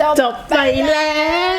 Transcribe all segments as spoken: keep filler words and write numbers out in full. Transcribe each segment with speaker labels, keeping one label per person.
Speaker 1: จบไปแล้ว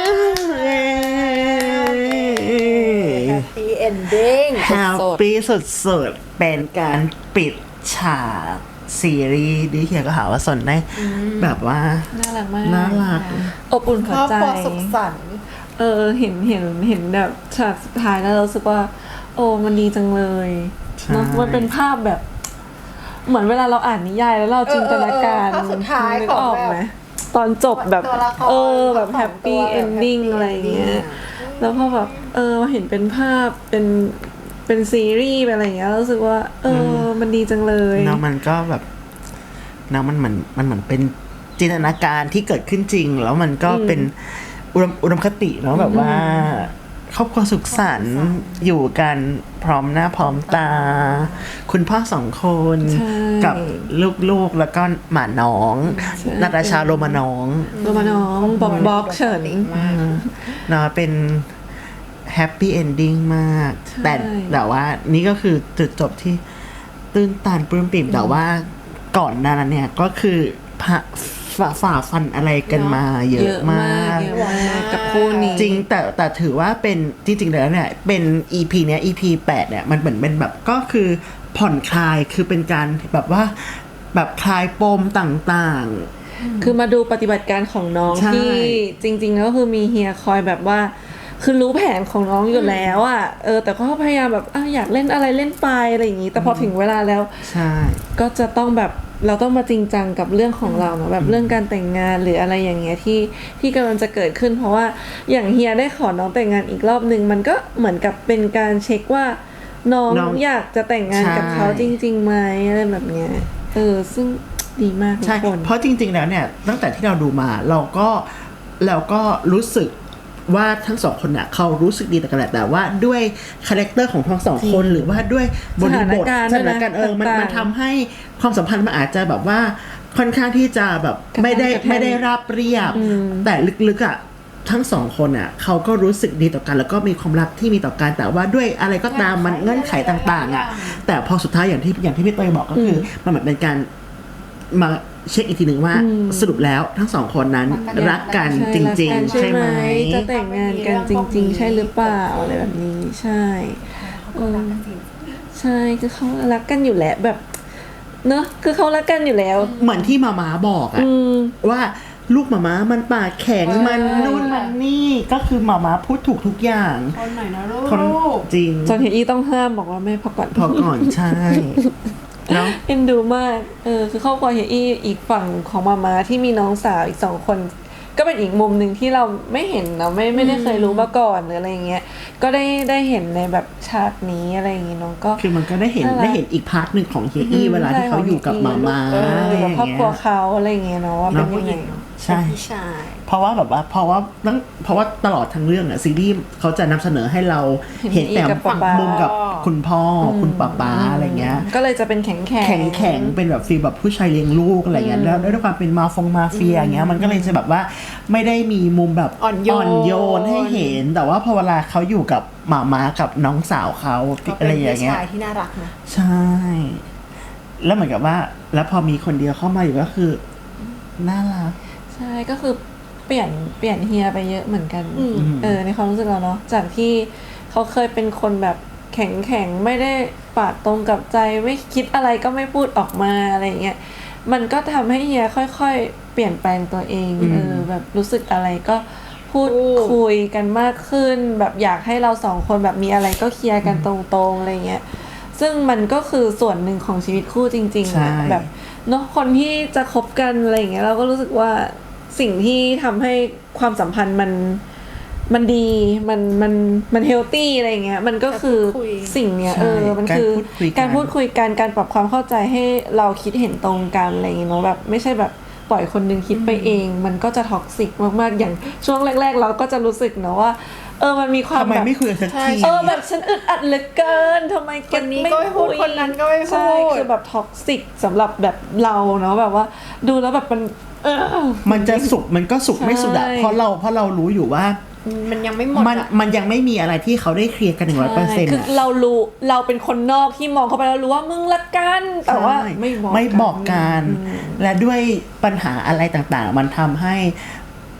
Speaker 2: แฮปปี้เอนดิ้ง
Speaker 1: แฮปปี้สุดๆเป็นการปิดฉากซีรีส์ดิเฮียก็หาว่าสนได้แบบว่า
Speaker 3: น่ารักมาก
Speaker 1: น่ารัก
Speaker 3: อบอุ่น
Speaker 2: ค
Speaker 3: หั
Speaker 2: ร
Speaker 3: ว
Speaker 2: อบ
Speaker 3: ใจ
Speaker 2: ครัวสุขสันต์
Speaker 3: เออเห็นเห็นเห็นแบบฉากสุดท้ายแล้วเรารู้สึกว่า โอ้มันดีจังเลยเนาะมันเป็นภาพแบบ เหมือนเวลาเราอ่านนิยายแล้วเราจินตนาการ
Speaker 2: ภาพสุดท้าย
Speaker 3: นึก
Speaker 2: ของ
Speaker 3: ออก
Speaker 2: แบ
Speaker 3: ไหม
Speaker 2: บ
Speaker 3: ตอนจบแบบ
Speaker 2: ตัวละคร
Speaker 3: เออแบบ
Speaker 2: ทั้งสอง
Speaker 3: แฮปปี้
Speaker 2: ตัวแบบ
Speaker 3: เอนดิ้ง
Speaker 2: happy
Speaker 3: อะไรอย่างเงี้ย
Speaker 2: ending
Speaker 3: แล้วพอแบบเออเห็นเป็นภาพเป็นเป็นซีรีส์เป็นอะไรอย่างเงี้ยรู้สึกว่า เออมันดีจังเลย
Speaker 1: เนาะมันก็แบบเนาะมันเหมือนมันเหมือนเป็นจินตนาการที่เกิดขึ้นจริง แล้วมันก็เป็นอุดมอุดมคติเนาะแบบว่าครอบครัวสุขสันต์อยู่กันพร้อมหน้าพร้อมตา คุณพ่อสองคน
Speaker 3: ใช่
Speaker 1: กับลูกๆแล้วก็หมาน้อง
Speaker 3: ใช่
Speaker 1: นาตาชาโรมาน้อง
Speaker 3: ตัวมาน้องบอกบอกเฉิน
Speaker 1: เนาะเป็นแฮปปี้เอนดิ้งมาก
Speaker 3: ใช่
Speaker 1: แต่แต่ว่านี่ก็คือจุดจบที่ตื้นตันปลื้มปิ่มแต่ว่าก่อนหน้านั้นเนี่ยก็คือผ่าฝ่าฝ่าฟันอะไรกันมาเยอะมาก
Speaker 3: เยอะมากกับคู่นี้
Speaker 1: จริงแต่แต่ถือว่าเป็นจริงๆแล้วเนี่ยเป็น อี พี เนี้ย อี พี แปดเนี่ยมันเหมือนเป็นแบบก็คือผ่อนคลายคือเป็นการแบบว่าแบบคลายปมต่างๆ
Speaker 3: คือมาดูปฏิบัติการของน้อง
Speaker 1: ใช่
Speaker 3: ที่จริงๆก็คือมีเฮียคอยแบบว่า คือรู้แผนของน้องอยู่แล้วอ่ะเออแต่ก็พยายามแบบอ่ะอยากเล่นอะไรเล่นไปอะไรอย่างงี้ แต่พอถึงเวลาแล้ว
Speaker 1: ใช่
Speaker 3: ก็จะต้องแบบเราต้องมาจริงจังกับเรื่องของเราเนอะแบบเรื่องการแต่งงานหรืออะไรอย่างเงี้ยที่ที่กำลังจะเกิดขึ้น เพราะว่าอย่างเฮียได้ขอน้องแต่งงานอีกรอบนึงมันก็เหมือนกับเป็นการเช็คว่าน้อง
Speaker 1: น้อง
Speaker 3: อยากจะแต่งงานกับ
Speaker 1: ใช่
Speaker 3: เขาจริงๆไหมอะไรแบบเนี้ยเออซึ่งดีมากทุ
Speaker 1: ใช่
Speaker 3: กคน
Speaker 1: เพราะจริงๆแล้วเนี่ยตั้งแต่ที่เราดูมาเราก็เราก็รู้สึกว่าทั้งสองคนเนี่ยเขารู้สึกดีต่อกันแหละแต่ว่าด้วยคาแรคเตอร์ของทั้งสองคนหรือว่าด้วยบริบท
Speaker 3: สถานการณ์
Speaker 1: สถานการณ์เออมัน
Speaker 3: ต่างๆ
Speaker 1: มันทำให้ความสัมพันธ์มันอาจจะแบบว่าค่อนข้างที่จะแบบไม่ได้
Speaker 3: กระทบกระทั่ง
Speaker 1: ไม่ได้ราบเรียบ แต่ลึกๆอ่ะทั้งสองคนอ่ะเขาก็รู้สึกดีต่อกัน แล้วก็มีความรักที่มีต่อกันแต่ว่าด้วยอะไรก็ตามมันเงื่อนไขต่างๆอ่ะแต่พอสุดท้ายอย่างที่อย่างที่พี่เตยบอกก็คือมันเหมือนเป็นการมาเช็คอีกทีหนึ่งว่าสรุปแล้วทั้งสองคนนั้นรักกันจริงๆ
Speaker 3: ใช่
Speaker 1: ใช่ไหม
Speaker 3: จะแต่งงานกันจริง ๆ ใช่หรือเปล่าอะไรแบบนี้ใช่เออใช่คือเขารักกันอยู่แล้วแบบเนอะคือเขารักกันอยู่แล้ว
Speaker 1: เหมือนที่มาม้าบอกอะ
Speaker 3: อืม
Speaker 1: ว่าลูกมาม้ามันปากแข็งมันนู่นมันนี่ก็คือมาม้าพูดถูกทุกอย่าง
Speaker 2: คนหน่อยนะลู
Speaker 1: คน
Speaker 2: ก
Speaker 1: จริง
Speaker 3: จนเฮียอี้ต้องห้ามบอกว่าแม่พักก่อน
Speaker 1: พอก่อนใช่แล้ว
Speaker 3: เอ็นดูมากเออคือครอบครัวเฮียอี้อีกฝั่งของมาม่าที่มีน้องสาวอีกสองคน ก็เป็นอีกมุมหนึ่งที่เราไม่เห็นเนาะไม่ไม่ได้เคยรู้มาก่อนหรืออะไรอย่างเงี้ยก็ได้ได้เห็นในแบบฉากนี้อะไรอย่างงี้เน้องก็
Speaker 1: คือมันก็ได้เห็น
Speaker 3: น่ารัก
Speaker 1: ได้เห็นอีกพาร์ทหนึ่งของเฮียอี้เวลาที่เขาอยู่กับมาม้า
Speaker 3: เอออยู่กับครอบครัว
Speaker 1: อะไรอย่างเงี้ย
Speaker 3: เขาอะไรอย่างเงี้ยเนาะว่าเป็นยังไง
Speaker 1: ใช่
Speaker 2: พี่ชาย
Speaker 1: เพราะว่าแบบว่าเพราะว่าตั้งเพราะว่าตลอดทั้งเรื่องอะซีรีส์เขาจะนำเสนอให้เราเห็นแต่
Speaker 3: เห็นกับป๊าป๊า
Speaker 1: มุมกับคุณพ่ออคุณป้าป้าอะไรเงี้ย
Speaker 3: ก็เลยจะเป็นแข็งแข็ง
Speaker 1: แข็งแข็งเป็นแบบฟีลแบบผู้ชายเลี้ยงลูกอะไรเงี้ยแล้วด้วยความเป็นมาฟงมาเฟียอย่างเงี้ยมันก็เลยจะแบบว่าไม่ได้มีมุมแบบ
Speaker 2: อ่อนโยน
Speaker 1: โยนให้เห็น แต่ว่าพอเวลาเขาอยู่กับหมาม้ากับน้องสาวเขา
Speaker 2: ก็เป็
Speaker 1: อะไร
Speaker 2: น
Speaker 1: อย่า
Speaker 2: พี่
Speaker 1: งเงี้ย
Speaker 2: ชายที่น่ารักนะ
Speaker 1: ใช่ แล้วเหมือนกับว่า แล้วพอมีคนเดียวเข้ามาอยู่ก็คือน่ารัก
Speaker 3: ใช่ก็คือเปลี่ยนเปลี่ยนเฮียไปเยอะเหมือนกัน
Speaker 2: อืม
Speaker 3: เออในความรู้สึกเราเนาะจากที่เขาเคยเป็นคนแบบแข็งแข็งไม่ได้ปาดตรงกับใจไม่คิดอะไรก็ไม่พูดออกมาอะไรอย่างเงี้ยมันก็ทำให้เฮียค่อยๆ เปลี่ยนแปลงตัวเองเออแบบรู้สึกอะไรก็พูดคุยกันมากขึ้น แบบอยากให้เราสองคนแบบมีอะไรก็เคลียร์กันตรงๆอะไรเงี้ยซึ่งมันก็คือส่วนหนึ่งของชีวิตคู่จริงๆ
Speaker 1: ใช่
Speaker 3: อะแบบเนาะคนที่จะคบกันอะไรอย่างเงี้ยเราก็รู้สึกว่าสิ่งที่ทำให้ความสัมพันธ์มันมันดีมันมันมันเฮลตี้อะไรอย่างเงี้ยมันก็คือ
Speaker 2: การพูดคุย
Speaker 3: สิ่งเนี้ย
Speaker 1: ใช่
Speaker 3: เออมันคือ
Speaker 1: การพูดคุยกัน
Speaker 3: การพูดคุยกันการปรับความเข้าใจให้เราคิดเห็นตรงกันอะไรอย่างเงี้ยเนาะแบบไม่ใช่แบบปล่อยคนนึงคิดไปเอง มันก็จะท็อกซิกมากๆอย่างช่วงแรก ๆ เราก็จะรู้สึกเนาะว่าเออมันมีความ
Speaker 1: ทำไม
Speaker 3: แบบ
Speaker 1: ไม่คุยกันสักที
Speaker 3: เออแบบฉันอึดอัดเหลือเกินทำไมแก
Speaker 2: คนนี้ก็ไม่พูดคนนั้นก็ไม่พูด
Speaker 3: ใช่คือแบบท็อกซิกสำหรับแบบเราเนาะแบบว่าดูแล้วแบบมันเออ
Speaker 1: มันจะสุกมันก็สุกไม่สุดอะ
Speaker 3: ใช่
Speaker 1: เพราะเราเพราะเรารู้อยู่ว่า
Speaker 2: มันยังไม่หมด
Speaker 1: มัน
Speaker 2: อะ
Speaker 1: มันยังไม่มีอะไรที่เขาได้เคลียร์กันหนึ่งร้อยเปอร์เซ็นต์
Speaker 3: คือเรารู้เราเป็นคนนอกที่มองเข้าไปแล้วรู้ว่ามึงละกันแต่ว่าไม่บอก
Speaker 1: ไม่บอกกันและด้วยปัญหาอะไรต่างๆ มันทำให้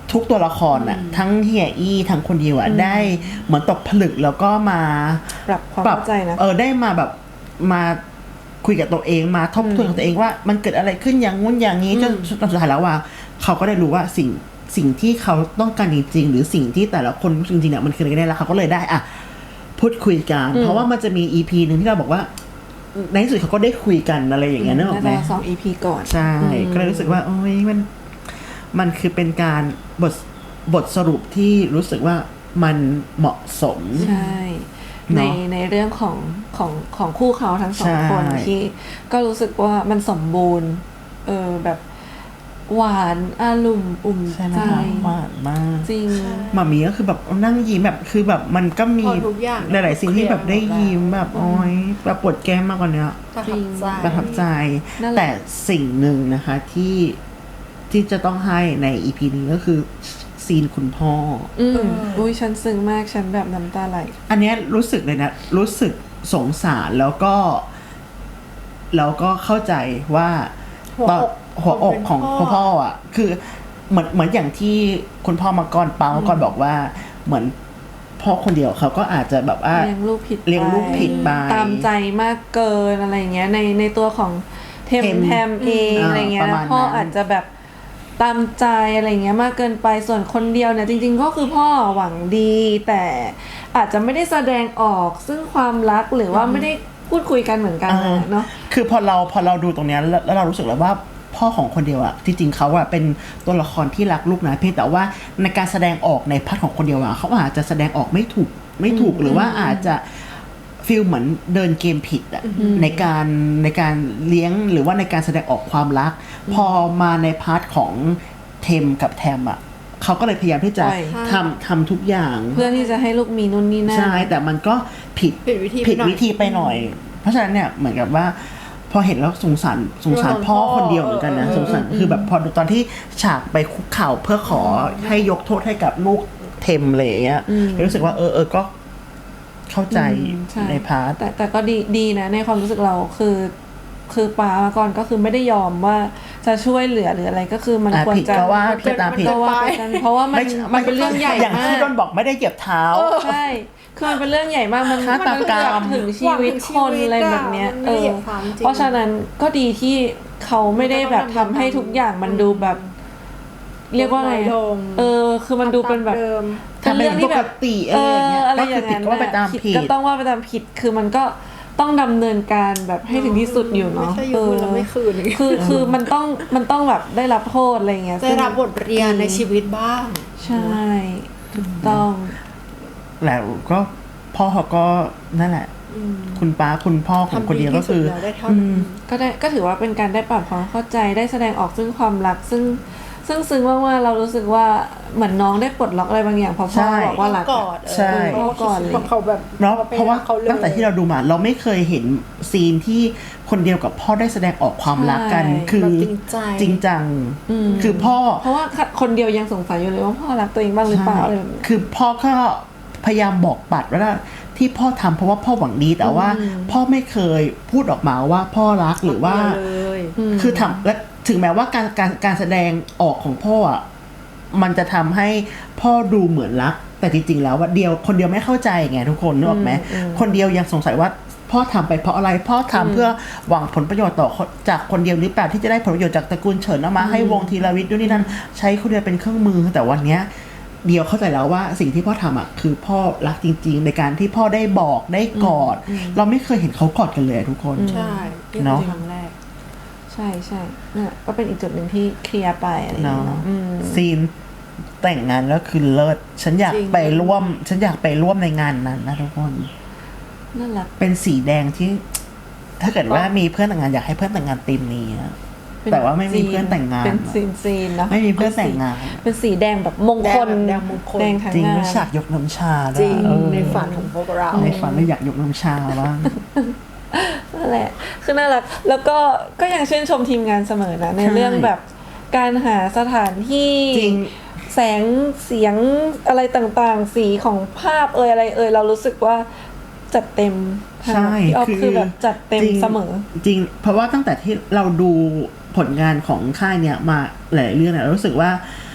Speaker 1: ทุกตัวละครอ่ะทั้งเฮียอี้ทั้งคนเดียวอ่ะได้เหมือนตกผลึกแล้วก็มา
Speaker 3: ปรับความเข้าใจนะ
Speaker 1: เออได้มาแบบมาคุยกับตัวเองมาทบทวนกับตัวเองว่ามันเกิดอะไรขึ้นอย่างงู้นอย่างนี้จนสุดท้ายแล้วว่าเขาก็ได้รู้ว่าสิ่งสิ่งที่เขาต้องการจริงๆหรือสิ่งที่แต่ละคนจริงๆเนี่ยมันคืออะไรกันแน่แล้วเขาก็เลยได้อ่ะพูดคุยกันเพราะว่ามันจะมี อี พี นึงที่เราบอกว่าในที่สุดเขาก็ได้คุยกันอะไรอย่างเงี้ยนึกออกไหม
Speaker 3: น่าจะสอง อี พี ก่อน
Speaker 1: ใช่ก็เลยรู้สึกว่าโอ้ยมันมันคือเป็นการบทบทสรุปที่รู้สึกว่ามันเหมาะสม
Speaker 3: ใช่
Speaker 1: เน
Speaker 3: ใน
Speaker 1: อะ
Speaker 3: ในเรื่องของของของคู่เขาทั้งสอง
Speaker 1: ใช่
Speaker 3: คนที่ก็รู้สึกว่ามันสมบูรณ์เออแบบหวานอารมณ์อุ่ม
Speaker 1: ใช่ไหม
Speaker 3: ใจ
Speaker 1: คะหวานมาก
Speaker 3: จริง
Speaker 1: หมามีก็คือแบบนั่งยิ้มแบบคือแบบมันก็มี
Speaker 2: พอทุกอย่าง
Speaker 1: หลายๆสิ่งที่แบบได้ยิ้มแบบโอ้ยแบบปวดแก้มมากกว่านี้
Speaker 2: ประทับใจ
Speaker 1: ประทับใจ
Speaker 3: นั่นแหละ
Speaker 1: แต่สิ่งหนึ่งนะคะที่ที่จะต้องให้ใน อี พี นี้ก็คือซีนคุณพ่อ
Speaker 3: อืมอุ้ยฉันซึ้งมากฉันแบบน้ำตาไหล
Speaker 1: อันเนี้ยรู้สึกเลยนะ รู้สึกสงสารแล้วก็ แล้วก็เข้าใจว่า
Speaker 2: หัว
Speaker 1: ตอน
Speaker 2: อก
Speaker 1: หัวอก
Speaker 2: คนเป็น
Speaker 1: ของ
Speaker 2: พ่อ
Speaker 1: พ่ออ่ะ คือเหมือนเหมือนอย่างที่คุณพ่อมาก่อนป้ามาก่อนบอกว่า เหมือนพ่อคนเดียวเขาก็อาจจะแบบว่า
Speaker 3: เลี้ยงลูกผิด
Speaker 1: เลี้ยงลูกผิดไป
Speaker 3: ตามใจมากเกินอะไรเงี้ยในในตัวของเทม
Speaker 1: เทม
Speaker 3: แทมเอง
Speaker 1: อ่า
Speaker 3: อะไรเงี้
Speaker 1: ป
Speaker 3: ย
Speaker 1: ระมาณ
Speaker 3: พ่อ
Speaker 1: นั้น
Speaker 3: อาจจะแบบตามใจอะไรเงี้ยมากเกินไปส่วนคนเดียวเนี่ยจริงๆก็คือพ่อหวังดี แต่อาจจะไม่ได้แสดงออกซึ่งความรักหรือว่าไม่ได้พูดคุยกันเหมือนกัน
Speaker 1: อ่า
Speaker 3: เนาะ
Speaker 1: คือพอเราพอเราดูตรงเนี้ยแล้วแล้วเรารู้สึกแล้วว่าพ่อของคนเดียวอะที่จริงเขาอะเป็นตัวละครที่รักลูกนะเพียงแต่ว่าในการแสดงออกในพาร์ทของคนเดียวอะเขาอาจจะแสดงออกไม่ถูกไม่ถูกหรือว่าอาจจะฟีลเหมือนเดินเกมผิดอะในการในการเลี้ยงหรือว่าในการแสดงออกความรัก พอมาในพาร์ทของเทมกับแทมอะเขาก็เลยพยายามที่จะ
Speaker 3: ปล่อย
Speaker 1: ทำทำทุกอย่าง
Speaker 3: เพื่อที่จะให้ลูกมีนู่นนี่นั่น
Speaker 1: ใช่แต่มันก็ผิด
Speaker 2: ผิดวิธี
Speaker 1: ผิด
Speaker 2: ไปหน่อย
Speaker 1: วิธีไปหน่อย เพราะฉะนั้นเนี่ยเหมือนกับว่า พอเห็นแล้วสงสารสงสารพ่อคนเดียวเหมือนกันนะสงสารคือแบบพอดูตอนที่ฉากไปคุกเข่าเพื่อขอให้ยกโทษให้กับลูกเทมอะไรอย่างเงี้ยรู้สึกว่าเออเออก็เข้าใจ
Speaker 3: อืมใช่
Speaker 1: ในพาร์ท
Speaker 3: แต่แต่ก็ดีดีนะในความรู้สึกเราคือคือป้ามาก่อนก็คือไม่ได้ยอมว่าจะช่วยเหลือหรืออะไรก็คือมัน
Speaker 1: อ่ะ
Speaker 3: ควร
Speaker 1: ผิด
Speaker 3: จะ
Speaker 1: ก็ว่าผิดตามผิด
Speaker 3: ก็ว่าไปกันเพราะว่ามัน
Speaker 1: ไม่
Speaker 3: มันเป็นเรื่องใหญ่
Speaker 1: อย่าง
Speaker 3: มา
Speaker 1: ที่
Speaker 3: ก
Speaker 1: โดนบอกไม่ได้เหยียบเท้า
Speaker 3: ใช่คือมันเป็นเรื่องใหญ่มากมัน
Speaker 1: ฆาตกรรม
Speaker 3: นถึงชีวิตคนอะไรแบบเนี้ย
Speaker 2: มัน
Speaker 3: เอ
Speaker 2: ไม่ได้เหยี
Speaker 3: อย
Speaker 2: บความจริง
Speaker 3: เพราะฉะนั้นก็ดีที่เขาไม่ได้แบบทำให้ทุกอย่างมันดูแบบ เรียกว่าไง
Speaker 2: ลง
Speaker 3: เออ คือมันดูเป็นแบบ
Speaker 2: ดิม
Speaker 1: ทำเป็นปกติอะไรอย่างเงี้ย
Speaker 3: อะไร
Speaker 1: ก็
Speaker 3: อ
Speaker 1: คือย่าง ผิด
Speaker 3: นั้น
Speaker 1: ก็ว่าไปตาม
Speaker 3: น่ะ
Speaker 1: ผิด
Speaker 3: ก็ต้องว่าไปตามผิด คือมันก็ต้องดำเนินการแบบให้ถึงที่สุดอยู่เนาะ
Speaker 2: ไม่ใช่ยืมแล้วไม่คืน
Speaker 3: คือคือมันต้องมันต้องแบบได้รับโทษอะไรเงี้ย
Speaker 2: ได้รับบทเรียนในชีวิตบ้าง
Speaker 3: ใช่ถูกต้อง
Speaker 1: แล้วก็พ่อเขาก็นั่นแหละ คุณป้าคุณพ่อของคนเดียวก็คือ
Speaker 2: ทำดีที่สุดแล้วได้เท่า
Speaker 1: อื
Speaker 2: นั้น
Speaker 1: ม
Speaker 3: ก็ได้ก็ถือว่าเป็นการได้ปรับความเข้าใจได้แสดงออกซึ่งความรักซึ่งซึ่งซึ้งมากๆเรารู้สึกว่าเหมือนน้องได้ปลดล็อกอะไรบางอย่างเพราะพ่อ
Speaker 1: ใช่
Speaker 3: บอกว่ารัก
Speaker 2: ก
Speaker 3: อะ
Speaker 2: อด
Speaker 1: ใช่
Speaker 2: เพราะว่าเขาคิดว่าเขาแบบ
Speaker 1: เนาะ
Speaker 2: ขไป
Speaker 1: เพราะว่า
Speaker 2: เขาเลย
Speaker 1: ตั้งแต่ที่เราดูมา เราไม่เคยเห็นซีนที่คนเดียวกับพ่อได้แสดงออกความรักกัน
Speaker 3: ใช่
Speaker 1: คือ
Speaker 2: แบบจริงใจ
Speaker 1: จริงจัง
Speaker 3: อืม
Speaker 1: คือพ่อ
Speaker 3: เพราะว่าคนเดียวยังสงสัยอยู่เลยว่าพ่อรักตัวเองบ้างหรือเปล่าอะไรแบบนี้
Speaker 1: คือพ่อก็พยายามบอกปัดว่าที่พ่อทำเพราะว่าพ่อหวังดีแต่ว่า พ่อไม่เคยพูดออกมาว่าพ่อรักหรือว่า
Speaker 2: เดียวเลย
Speaker 1: คือทำและถึงแม้ว่าการการการแสดงออกของพ่ออ่ะมันจะทำให้พ่อดูเหมือนรัก แต่จริงๆแล้วว่าเดียวคนเดียวไม่เข้าใจไงทุกคนนึกออกไหมคนเดียวยังสงสัยว่าพ่อทำไปเพราะอะไรพ่อทำเพื่อหวังผลประโยชน์ต่อคนจากคนเดียวหรือเปล่าที่จะได้ผลประโยชน์จากตระกูลเฉินเอามาให้วงธีรวิทย์ด้วยนี่นั่นใช้คนเดียวเป็นเครื่องมือแต่วันเนี้ยเดียวเข้าใจแล้วว่าสิ่งที่พ่อทำอ่ะคือพ่อรักจริงๆ ในการที่พ่อได้บอกได้กอด เราไม่เคยเห็นเขากอดกันเลยทุกคน
Speaker 2: ใช่นี่
Speaker 1: เนาะ
Speaker 2: คือครั้งแรก
Speaker 3: ใช่ใช่เนี่ยก็เป็นอีกจุดหนึ่งที่เคลียร์ไปอะไรอย่าง
Speaker 1: เนาะ
Speaker 3: เงี้ยเนาะอืม
Speaker 1: ซีนแต่งงานแล้วคือเลิศฉันอยาก
Speaker 2: จริง
Speaker 1: ไปร่วม ฉันอยากไปร่วมในงานนั้นนะทุกคน
Speaker 3: นั่นแหละ
Speaker 1: เป็นสีแดงที่ ถ้าเกิดว่ามีเพื่อนแต่งงานอยากให้เพื่อนแต่งงานธีมนี้อะ
Speaker 3: เป็น
Speaker 1: แต่ว่าไม่มีเพื่อนแต่งงาน
Speaker 3: เป็นซีนซีนเนาะ
Speaker 1: ไม่มีเพื่อนแต่งงาน
Speaker 3: เป็นสีแดงแบบมงคล
Speaker 2: แดงแบบแดงมงคล
Speaker 3: แดงทั้ง
Speaker 1: จริง
Speaker 3: งา
Speaker 1: แล้ว
Speaker 3: น
Speaker 1: ฉากยกน้ำชาด้วย
Speaker 2: จริง
Speaker 1: เออ
Speaker 2: ในฝันของพวกเรา
Speaker 1: ในฝันเราอยากยกน้ำชาบ้าง
Speaker 3: นั่นแหละ คือน่ารัก แล้วก็ก็ยังชื่นชมทีมงานเสมอนะ ใน
Speaker 1: ใช่
Speaker 3: เรื่องแบบการหาสถานที่
Speaker 1: จริง
Speaker 3: แสงเสียงอะไรต่างๆ สีของภาพเอ่ยอะไรเอ่ยเรารู้สึกว่าจัดเต็มทาง
Speaker 1: ใช่
Speaker 3: พี่ออฟคือแบบจัดเต็ม
Speaker 1: จริง
Speaker 3: เสมอ
Speaker 1: จริง เพราะว่าตั้งแต่ที่เราดูผลงานของค่ายเนี่ยมาหลายเรื่องเนี่ยเรารู้สึกว่า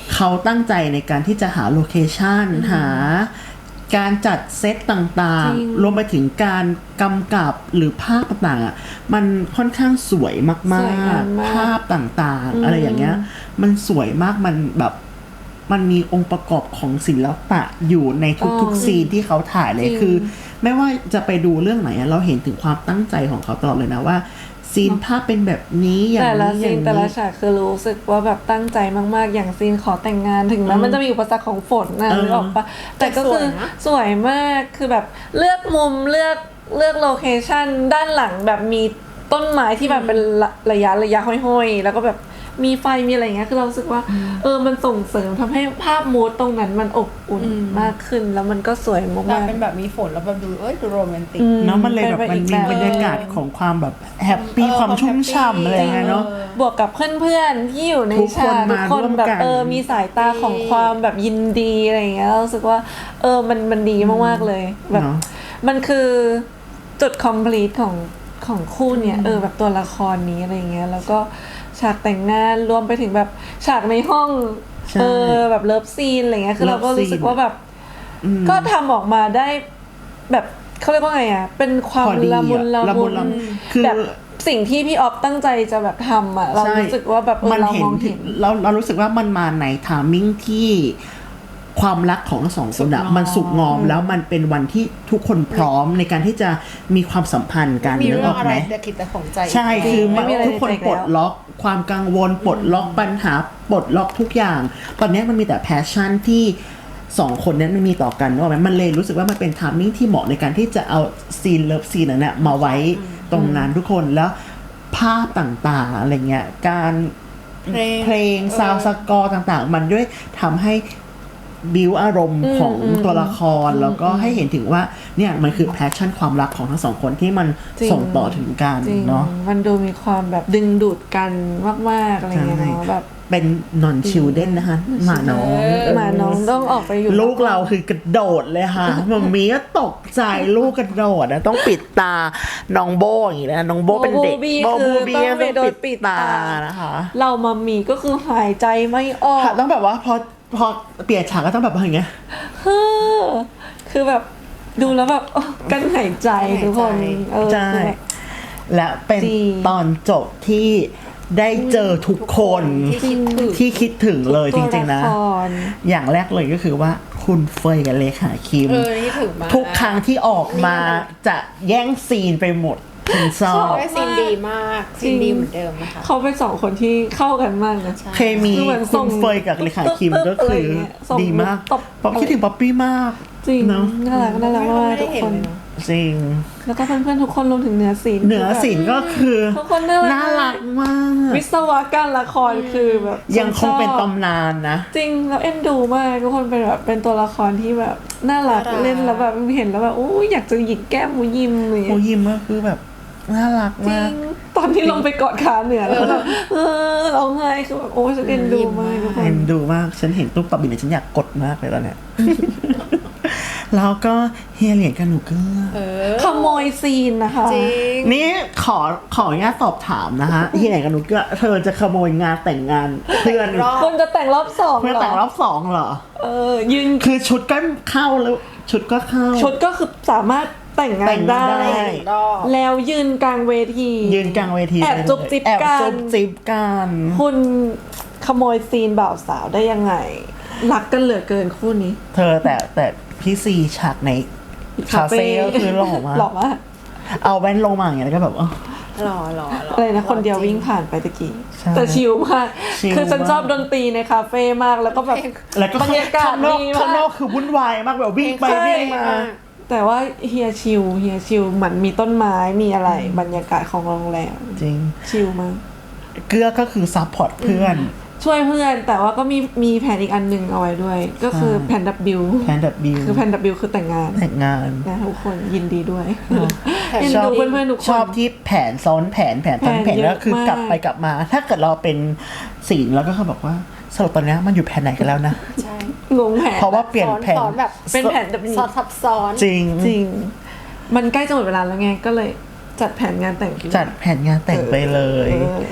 Speaker 1: เขาตั้งใจในการที่จะหาโลเคชันหาการจัดเซตต่าง
Speaker 3: จริง
Speaker 1: ๆรวมไปถึงการกำกับหรือภาพต่างๆอ่ะมันค่อนข้างสวยมา
Speaker 3: สวยงาก มมาก
Speaker 1: ๆภาพต่างๆ อะไรอย่างเงี้ยมันสวยมากมันแบบมันมีองค์ประกอบของศิลปะอยู่ในทุกๆซีนที่เขาถ่ายเลยคือ ไม่ว่าจะไปดูเรื่องไหนอะเราเห็นถึงความตั้งใจของเขาตลอดเลยนะว่าซีนภาพเป็นแบบนี้อย่าง
Speaker 3: แต่ละ
Speaker 1: นี้อ
Speaker 3: ซี
Speaker 1: ย่าน ง
Speaker 3: แต่ละ
Speaker 1: นี้
Speaker 3: ฉากคือรู้สึกว่าแบบตั้งใจมากๆอย่างซีนขอแต่งงานถึงแม้มันจะมีอุปสรรคของฝนนะ
Speaker 1: เออ
Speaker 3: นึกออกปะแต่ก็คือ
Speaker 2: แต่สวยนะ
Speaker 3: สวยมากคือแบบเลือกมุมเลือกเลือกโลเคชั่นด้านหลังแบบมีต้นไม้ที่แบบเป็นระระยะระยะห้อยๆแล้วก็แบบมีไฟมีอะไรอย่างเงี้ยคือเรารู้สึกว่าเออมันส่งเสริมทำให้ภาพมูดตรงนั้นมันอบอุ่นมากขึ้น แล้วมันก็สวย
Speaker 2: แต่
Speaker 3: มาก
Speaker 2: เป็นแบบมีฝนแล้วแบบดูเอ้ยดูโรแมนติก
Speaker 3: ๆอื
Speaker 1: เนาะมันเลยแบบมันมีบรรยากาศของความแบบแฮปปี้
Speaker 2: เออ
Speaker 1: ความชุ่มฉ่ำ
Speaker 2: ความแฮปปี้
Speaker 1: อะไรอย่างเงี้ยเนาะ
Speaker 2: เออ
Speaker 3: บวกกับเพื่อนๆที่อยู่ใน
Speaker 1: ทุกคน
Speaker 3: ฉากทุ
Speaker 1: มาก
Speaker 3: คน
Speaker 1: ร่วม
Speaker 3: แบบ
Speaker 1: กัน
Speaker 3: เออมีสายตาของความแบบยินดีอะไรอย่างเงี้ยเรารู้สึกว่าเออมันมันดีมากๆเลยแบบ
Speaker 1: เนาะ
Speaker 3: มันคือจุด complete ของของคู่เนี่ยเออแบบตัวละครนี้อะไรอย่างเงี้ยแล้วก็ฉากแต่งงานรวมไปถึงแบบฉากในห้อง
Speaker 1: ใช่
Speaker 3: เออแบบเลิฟซีนอะไรเงี้ยคือเราก็
Speaker 1: Love
Speaker 3: รู้สึก
Speaker 1: scene
Speaker 3: ว่าแบบ
Speaker 1: อืม
Speaker 3: ก็ทำออกมาได้แบบเขาเรียกว่าไงอ่ะเป็นความ
Speaker 1: พอดีอะ
Speaker 3: ละมุนละ
Speaker 1: ละมุ
Speaker 3: มุ
Speaker 1: น
Speaker 3: น
Speaker 1: ละมุนคือ
Speaker 3: แบบสิ่งที่พี่ออฟตั้งใจจะแบบทำอ่ะเรา
Speaker 1: ใช่
Speaker 3: รู้สึกว่าแบบเออ
Speaker 1: มัน
Speaker 3: เรา
Speaker 1: เห็
Speaker 3: ม
Speaker 1: น
Speaker 3: อง
Speaker 1: ถึ
Speaker 3: เห็
Speaker 1: ง
Speaker 3: น
Speaker 1: เราเรารู้สึกว่ามันมาในทามมิ่งที่ความรักของทั้งสองคนอะ
Speaker 2: สุขงอม
Speaker 1: มันสุกงอมแล้วมันเป็นวันที่ทุกคนพร้อมในการที่จะมีความสัมพันธ์กัน
Speaker 2: มี
Speaker 1: นึก
Speaker 2: เรื่
Speaker 1: อ
Speaker 2: อง
Speaker 1: อก
Speaker 2: อะไร
Speaker 1: ไหม
Speaker 2: แต่คิดแต่ของใจ
Speaker 1: ใช่คือมัน
Speaker 3: ไม่มีอะไร
Speaker 1: ทุกคน
Speaker 3: ในใจ
Speaker 1: ปลด
Speaker 3: แล้ว
Speaker 1: ล็อกความกังวลปลดล็อกปัญหาปลดล็อกทุกอย่าง ตอนนี้มันมีแต่แพชชั่นที่สองคนนั้นมันมีต่อกันนึกออกไหมมันเลยรู้สึกว่ามันเป็นทามมิ่งที่เหมาะในการที่จะเอาซีนเลิฟซีนนั้นนะมาไว้ตรงนั้นทุกคนแล้วภาพต่างๆอะไรเงี้ยการ
Speaker 2: เพลง
Speaker 1: เพลงซาวด์สกอร์ต่างๆ มันด้วยทำให้บิวอารมณ์ของตัวละครแล้วก็ให้เห็นถึงว่าเนี่ยมันคือแพชชั่นความรักของทั้งสองคนที่มัน
Speaker 3: จริง
Speaker 1: ส่งต่อถึงกัน
Speaker 3: จริง
Speaker 1: เนาะ
Speaker 3: มันดูมีความแบบดึงดูดกันมากๆอะไรเงี้ย
Speaker 1: ใช่
Speaker 3: เนาะแบบ
Speaker 1: เป็นนอนชิลเด้นนะคะหมาน้อง
Speaker 3: หมาน้องต้องออกไปอยู่
Speaker 1: ลูกเราคือกระโดดเลยค่ะมัมมี่ก็ตกใจลูกกระโดดนะต้องปิดตาน้องโบอย่างนี้นะน้องโบเป็นเด็ก
Speaker 3: โบ
Speaker 1: โบ
Speaker 3: บู
Speaker 1: บู
Speaker 3: บี้
Speaker 1: บี้
Speaker 3: คือต้องไปโด
Speaker 1: ต้อง
Speaker 3: น
Speaker 1: ปิ
Speaker 3: ปิ
Speaker 1: ด
Speaker 3: ด
Speaker 1: ตา
Speaker 3: ตา
Speaker 1: นะคะ
Speaker 3: เรามัมมี่ก็คือหายใจไม่ออก
Speaker 1: ค่ะต้องแบบว่าพอพอเปลี่ยนฉากก็ต้องแบบว่าอย่างเงี้ย
Speaker 3: เฮ้อคือแบบดูแล้วแบบโอ้กั้นหายใจทุกคนเออ
Speaker 1: ใช่
Speaker 3: คือแบบ
Speaker 1: และเป็น
Speaker 3: จริง
Speaker 1: ตอนจบที่ได้เจอทุกคน
Speaker 2: ที่คิดถึง
Speaker 1: ที่คิดถึงเลยจริงๆนะ
Speaker 3: ตัวลคร
Speaker 1: อย่างแรกเลยก็คือว่าคุณเฟยกับเลขาคิม
Speaker 2: เออนี่ถึงมาก
Speaker 1: ทุกครั้งที่ออกมาจะแย่งซีนไปหมดคุณชอบ
Speaker 2: ได้ซีนดีมากซีนดีเหมือนเดิมนะคะ
Speaker 3: เขาเป็นสองคนที่เข้ากันมากนะ
Speaker 1: เคมี
Speaker 3: คือเหมือนส่
Speaker 1: คุ
Speaker 3: ง
Speaker 1: ณเฟยกับเลขาคิมก็คือ
Speaker 3: อะไรเงี้ยส่ง
Speaker 1: ดีมาก
Speaker 3: ตบ
Speaker 1: ป๊อปคิดถึงป๊อปปี้มาก
Speaker 3: จริง
Speaker 1: เนาะ
Speaker 3: น่ารักน่ารักมาก
Speaker 2: ไม่ได้
Speaker 3: ทุก
Speaker 2: เห็น
Speaker 3: คน
Speaker 2: เลยเนอะ
Speaker 1: จริง
Speaker 3: แล้วก็เพื่อนๆทุกคนรวมถึงเนื้อศิลป์
Speaker 1: เหนือศิลป์ก็คือ
Speaker 3: ทุกคนน่ารัก
Speaker 1: น่ารักมาก
Speaker 3: วิศวการละครคือแบบ
Speaker 1: ยังคงเป็น
Speaker 3: ชอบ
Speaker 1: ตำนานนะ
Speaker 3: จริงแล้วเอ็นดูมากทุกคนเป็นแบบเป็นตัวละครที่แบบน่ารัก
Speaker 2: น่ารัก
Speaker 3: เล่นแล้วแบบเห็นแล้วแบบโอ้ยอยากจะหยิกแก้มมูยิมอะไรอย่าง
Speaker 1: โม
Speaker 3: เงี้ย
Speaker 1: ยิมก็คือแบบน่ารัก
Speaker 3: จริ
Speaker 1: มาก
Speaker 3: งตอนที่ลงไปกอดขาเหนือแล้วแบบเออร้องไห้คือแบบโอ้ยฉันเอ็นดูมากทุกค
Speaker 1: เอ็
Speaker 3: น
Speaker 1: นดูมาก ฉันเห็นตุ๊กปะบินเนี่ยฉันอยากกดมากเลยตอนเนี้ย แล้วก็เฮียเหรียญกับหนูเกือ
Speaker 2: เออ
Speaker 3: ขโมยซีนนะคะ
Speaker 2: จริง
Speaker 1: นี่ขอขออนุญาตสอบถามนะคะ เฮียเหรียญกับหนูเกือเธอจะขโมยงานแต่งงานเพื่อน
Speaker 2: รอบ
Speaker 3: คุณจะแต่งรอบสอง
Speaker 1: เพื่อน
Speaker 3: เหร
Speaker 1: แต่งร
Speaker 3: อ
Speaker 1: อบสองเหรอ
Speaker 3: เออยืน
Speaker 1: คือชุดก็เข้าแล้วชุดก็เข้า
Speaker 3: ชุดก็คือสามารถแต่งงา
Speaker 1: แต่
Speaker 3: น
Speaker 1: ง
Speaker 3: ได้
Speaker 1: งานได้
Speaker 2: รอบ
Speaker 3: แล้วยืนกลางเวที
Speaker 1: ยืนกลางเวที
Speaker 3: แอบจุ๊บจิ๊บ
Speaker 1: แอบ
Speaker 3: กัน
Speaker 1: จุ๊บจิ๊บกัน
Speaker 3: คุณขโมยซีนบ่าวสาวได้ยังไง รักกันเหลือเกินคู่นี้
Speaker 1: เธอแต่แต่พี่ซีฉากในคาเฟ่ก็คือหล่อมาก
Speaker 3: หล่อมาก
Speaker 1: เอาแว่นลงมาอย่างเงี้ยแล้วก็แบบเออ
Speaker 2: หล่อหล่อหล่อ
Speaker 3: อะไรนะคนเดียว
Speaker 2: จริ
Speaker 3: วิ่งผ่านไปตะกี้
Speaker 1: ใช่
Speaker 3: แต่ชิลมาก
Speaker 1: ชิล
Speaker 3: คือฉัน
Speaker 1: มาก
Speaker 3: ชอบดนตรีในคาเฟ่มากแล้วก็แบบ
Speaker 1: แล้วก็
Speaker 3: บรรยากาศ
Speaker 1: ข้างนอก
Speaker 3: ดี
Speaker 1: ข้างน
Speaker 3: มา
Speaker 1: อก กคือวุ่นวายมากแบบวิ่งไป
Speaker 3: ใช่
Speaker 1: วิ่งมา
Speaker 3: แต่ว่าเฮียชิลเฮียชิลเหมือนมีต้นไม้มีอะไรบรรยากาศของโรงแรม
Speaker 1: จริง
Speaker 3: ชิลมาก
Speaker 1: เกื้อก็คือซัพพอร์ตเพื่อน
Speaker 3: ช่วยเพื่อนแต่ว่าก็มีมีแผนอีกอันหนึ่งเอาไว้ด้วย ก็คือแผนดับบิว
Speaker 1: แพนดับบิว
Speaker 3: คือแผนดับบิวคือแต่งงาน
Speaker 1: แต่งงาน
Speaker 3: นะทุกคนยินดีด้วยเอ็น
Speaker 1: ชอบ
Speaker 3: ดูเพื่อนๆทุกคน
Speaker 1: ชอบที่แผนซ้อนแผนแผนซ้อนแผน
Speaker 3: แผนเยอะ
Speaker 1: แล้วคือกลับ
Speaker 3: มาก
Speaker 1: ไปกลับมา ถ้าเกิดเราเป็นศีลแล้วก็เขาบอกว่าสรุปตอนเนี้ยมันอยู่แผนไหนกันแล้วนะ
Speaker 2: ใช่
Speaker 3: งงแผน
Speaker 1: เพราะว่าเปลี่ยน
Speaker 2: ซ้อน
Speaker 1: แผน
Speaker 2: ซ้อนแบบ
Speaker 3: เป็นแผน W
Speaker 2: ซ้อนซับซ้อน
Speaker 1: จริง
Speaker 3: จริง มันใกล้จะหมดเวลาแล้วไงก็เลยจัดแผนงานแต่งขึ้น
Speaker 1: จัดแผนงานแต่งไปเลย
Speaker 3: เออ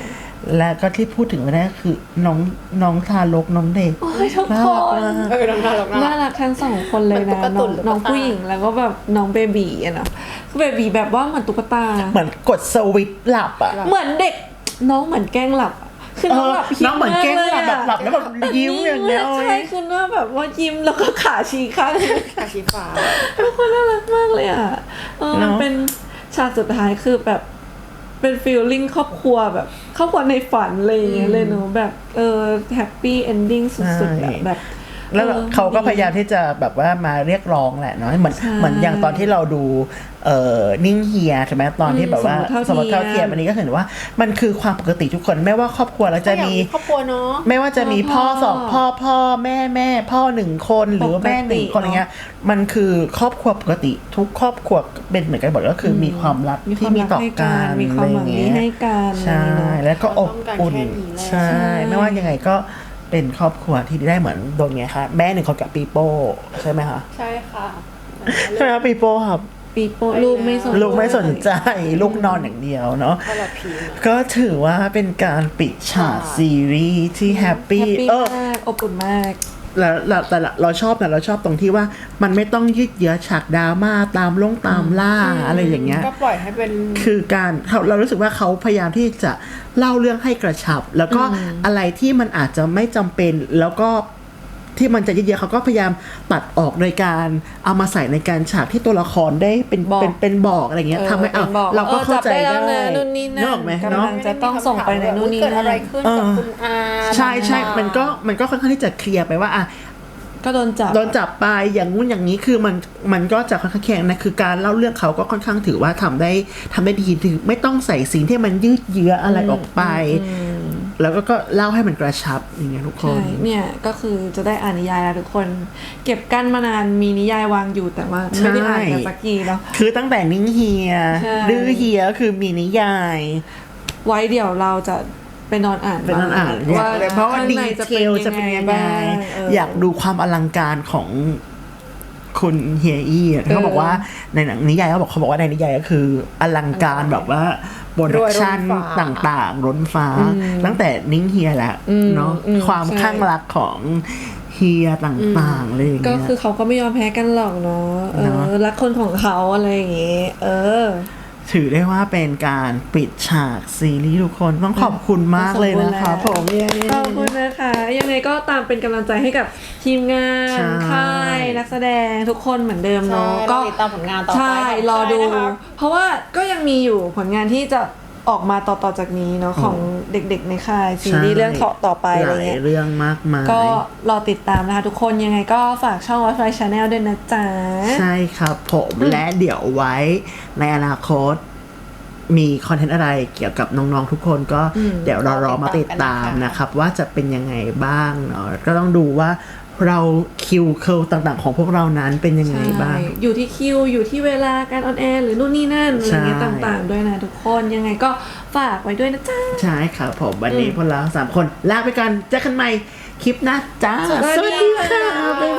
Speaker 1: และก็ที่พูดถึงไม่ได้ก็คือน้องน้องทารกน้องเด็ก
Speaker 3: โอ้ยทุก
Speaker 1: น่า
Speaker 3: ค
Speaker 1: รัก
Speaker 3: น
Speaker 1: มาก
Speaker 2: เออน้องน่ารัก
Speaker 3: น่ารักทั้งสองคนเลย
Speaker 2: เหมือนตุ๊
Speaker 3: นะ
Speaker 2: กตา
Speaker 3: น้อง
Speaker 2: หรือ
Speaker 3: น้อง
Speaker 2: ตุ๊กตา
Speaker 3: ผู้หญิงแล้วก็แบบน้องเบบีอะเนาะคือเบบีแบบว่าเหมือนตุ๊กตา
Speaker 1: เหมือนกดสวิตช์หลับอ่ะ
Speaker 3: เหมือนเด็กน้องเหมือนแกล้งหลับอะคือน้องแบบ
Speaker 1: เออน้องเหมือนแกล้งหลับแบบหลับแล้วแบบยิ้มอย่างเงี้ย
Speaker 3: ใช่คือหน้าแบบว่ายิ้มแล้วก็ขาชี้ข้าง
Speaker 2: กาชีฟ้า
Speaker 3: ทุกคนน่ารักมากเลยอ่ะเออมันเป็นฉากสุดท้ายคือแบบเป็นฟีลลิ่งครอบครัวแบบครอบครัวในฝันอะไรอย่างเงี้ยเลยเนอะแบบเออแฮปปี้เอนดิ้งสุดๆอะแบบ
Speaker 1: แล้ว
Speaker 3: ออ
Speaker 1: เขาก็พยายามที่จะแบบว่ามาเรียกร้องแหละเนาะเหมือน
Speaker 3: ใช่
Speaker 1: เหมือนอย่างตอนที่เราดูเอ่อนิ่งเฮียใช่ไหมตอนที่แบบว่า
Speaker 3: อืม
Speaker 1: สมรสเท่าเทียมอันนี้ก็เห็นว่ามันคือความปกติทุกคนไม่ว่าครอบครัวแล้วจะมี
Speaker 2: ครอบครัวเนาะ
Speaker 1: ไม่ว่าจะมีพ่อสองพ่อพ่อแม่แม่พ่อหนึ่งคนหรือว่าแม่หนึ่งคนอะไรเงี้ยมันคือครอบครัวปกติทุกครอบครัวเป็นเหมือนกันหมดก็คือมีความรัก
Speaker 3: มีค
Speaker 1: ที่
Speaker 3: วาม
Speaker 1: มี
Speaker 3: รัก
Speaker 1: ต่อ
Speaker 3: ให้
Speaker 1: กั
Speaker 3: กัน
Speaker 1: น
Speaker 3: มีความหวังดีให้กัน
Speaker 1: ใช่
Speaker 3: อะไรอย่างเงี้ย
Speaker 1: แล้วก็อบอุ่น
Speaker 2: เราต้องการแค่นี้แหละ
Speaker 1: ใช่
Speaker 3: ใช่
Speaker 1: ไม่ว่ายังไงก็เป็นครอบครัวที่ได้เหมือนโดนไงคะแม่หนึ่งคนกับปีโป้ใช่ไหมคะ
Speaker 2: ใช่ค่ะ
Speaker 1: ใช่ไหมครับปีโป้ครับ
Speaker 3: ปีโป้ลูกไม่สน
Speaker 1: ลูกไม่สนใจลูกนอนอย่างเดียวเนาะ
Speaker 2: ก็ละพี
Speaker 1: ก็ถือว่าเป็นการปิดฉากซีรีส์ที่แฮปปี้
Speaker 3: แฮปปี้
Speaker 1: เออ
Speaker 3: มากอบอุ่นมาก
Speaker 1: แล้วแล้วแต่ละเราชอบนะเราชอบตรงที่ว่ามันไม่ต้องยืดเยื้อฉากดราม่าตามลงตามล่าอะไรอย่างเงี้ย
Speaker 2: ก็ปล่อยให้เป็น
Speaker 1: คือการเราเรารู้สึกว่าเขาพยายามที่จะเล่าเรื่องให้กระชับ แล้วก็อะไรที่มันอาจจะไม่จำเป็น แล้วก็ที่มันจะยืดเยื้อเขาก็พยายามตัดออกโดยการเอามาใส่ในการฉากที่ตัวละครได้เป็น
Speaker 3: บอก
Speaker 1: เป็นเป็นบอกอะไรเงี้ยทำให้เอา
Speaker 3: เป็นบอก
Speaker 1: เราก็
Speaker 3: ออ
Speaker 1: เข้าใจ
Speaker 3: บแล้ว
Speaker 1: ได้
Speaker 3: นะนู่นนี่นั่น
Speaker 1: นึกออกไหม
Speaker 3: กำ
Speaker 1: เนาะ
Speaker 3: ลังจะต้องส่งไปในนู่นนี่
Speaker 2: เกิด
Speaker 3: นั่
Speaker 2: อะไร
Speaker 3: น
Speaker 2: ขึ้น
Speaker 1: เอ
Speaker 2: กับ
Speaker 1: อ
Speaker 2: คุณอา
Speaker 1: ใช่ใช่
Speaker 2: า
Speaker 1: มันก็มันก็ค่อนข้างที่จะเคลียร์ไปว่าอ่ะ
Speaker 3: ก็โดนจับ
Speaker 1: โดนจับไปอย่างงู้นอย่างนี้คือมันมันก็จะค่อนข้างแข็งนะคือการเล่าเรื่องเขาก็ค่อนข้างถือว่าทำได้ทำได้ดีถือไม่ต้องใส่สิ่งที่มันยืดเยื้ออะไรออกไป แล้วก็ก็เล่าให้มันกระชับอย่างเงี้ยทุกคน
Speaker 3: ใช่เนี่ยก็คือจะได้อ่านนิยายแล้วทุกคน เก็บกั้นมานานมีนิยายวางอยู่แต่ว่าไม่ได้อ่านกันสักทีเนาะ
Speaker 1: คือตั้งแต่นิ่งเฮีย
Speaker 3: ใช่
Speaker 1: ดื้อเฮียก็คือมีนิยาย
Speaker 3: ไว้เดี๋ยวเราจะไปนอนอ่าน
Speaker 1: เป็นนั่นอ่าน
Speaker 3: ว่า
Speaker 1: เพราะว่า
Speaker 3: ข้ง
Speaker 1: ดี
Speaker 3: ใน
Speaker 1: เทลจะเป็นยังไง
Speaker 3: บ้างเ
Speaker 1: อยากดูความอลังการของคุณเฮียอี้อะเขาบอกว่าในหนังนิยายเขาบอกเขาบอกว่าในนิยายก็คืออลังการแบบว่าโปรดักชันต่างๆล้นฟ้า ตั้งแต่นิ่งเฮียแหละเนาะ
Speaker 3: อืม
Speaker 1: ความ
Speaker 3: ใช่
Speaker 1: ข้างรักของเฮียต่างๆอะไรอย่าง
Speaker 3: ก็
Speaker 1: เงี้ย
Speaker 3: คือเขาก็ไม่ยอมแพ้กันหรอกเนาะเอ
Speaker 1: เน
Speaker 3: อ
Speaker 1: อะ
Speaker 3: รักคนของเขาอะไรอย่างเงี้ยเออ
Speaker 1: ถือได้ว่าเป็นการปิดฉากซีรีส์ทุกคนต้องขอบคุณมากเลยนะคะผมเย้
Speaker 3: ขอบคุณนะคะ ยังไงก็ตามเป็นกำลังใจให้กับทีมงาน
Speaker 1: ใช่
Speaker 3: ค่ายนักแสดงทุกคนเหมือนเดิม
Speaker 2: ใช่
Speaker 3: เนาะ
Speaker 2: ก็
Speaker 3: ก็
Speaker 2: ติดตามผลงานต่อไป
Speaker 3: ใช่
Speaker 2: ของ
Speaker 3: รอดู
Speaker 2: ค่ายนะคะ
Speaker 3: เพราะว่าก็ยังมีอยู่ผลงานที่จะออกมาต่อๆจากนี้เนาะของเด็กๆในค่ายซีรีส์เรื่องต่อต่อไปอะไร
Speaker 1: หลาย
Speaker 3: เงี้ย
Speaker 1: เรื่องมากมาย
Speaker 3: ก็รอติดตามนะคะทุกคนยังไงก็ฝากช่อง Watch My Channel ด้วยนะจ๊ะ
Speaker 1: ใช่ครับผมและเดี๋ยวไว้ในอนาคต มีคอนเทนต์อะไรเกี่ยวกับน้องๆทุกคนก็เดี๋ยวเรารอมาติดตามนะครับ ว่าจะเป็นยังไงบ้างเนาะก็ต้องดูว่าเราคิวเคิลต่างๆ ของพวกเรานั้นเป็นยังไงบ้าง
Speaker 3: ใช่อยู่ที่คิว อยู่ที่เวลาการออนแอร์หรือนู่นนี่นั่นอะไรเงี้ย
Speaker 1: ใช่
Speaker 3: ต่างๆ ด้วยนะทุกคนยังไงก็ฝากไว้ด้วยนะจ๊ะ
Speaker 1: ใช่ครับผมวันนี้พวกเราสามคนลาไปกันเจอกันใหม่คลิปหน้าจ้า
Speaker 3: สวัสดีค่ะ
Speaker 1: บ๊าย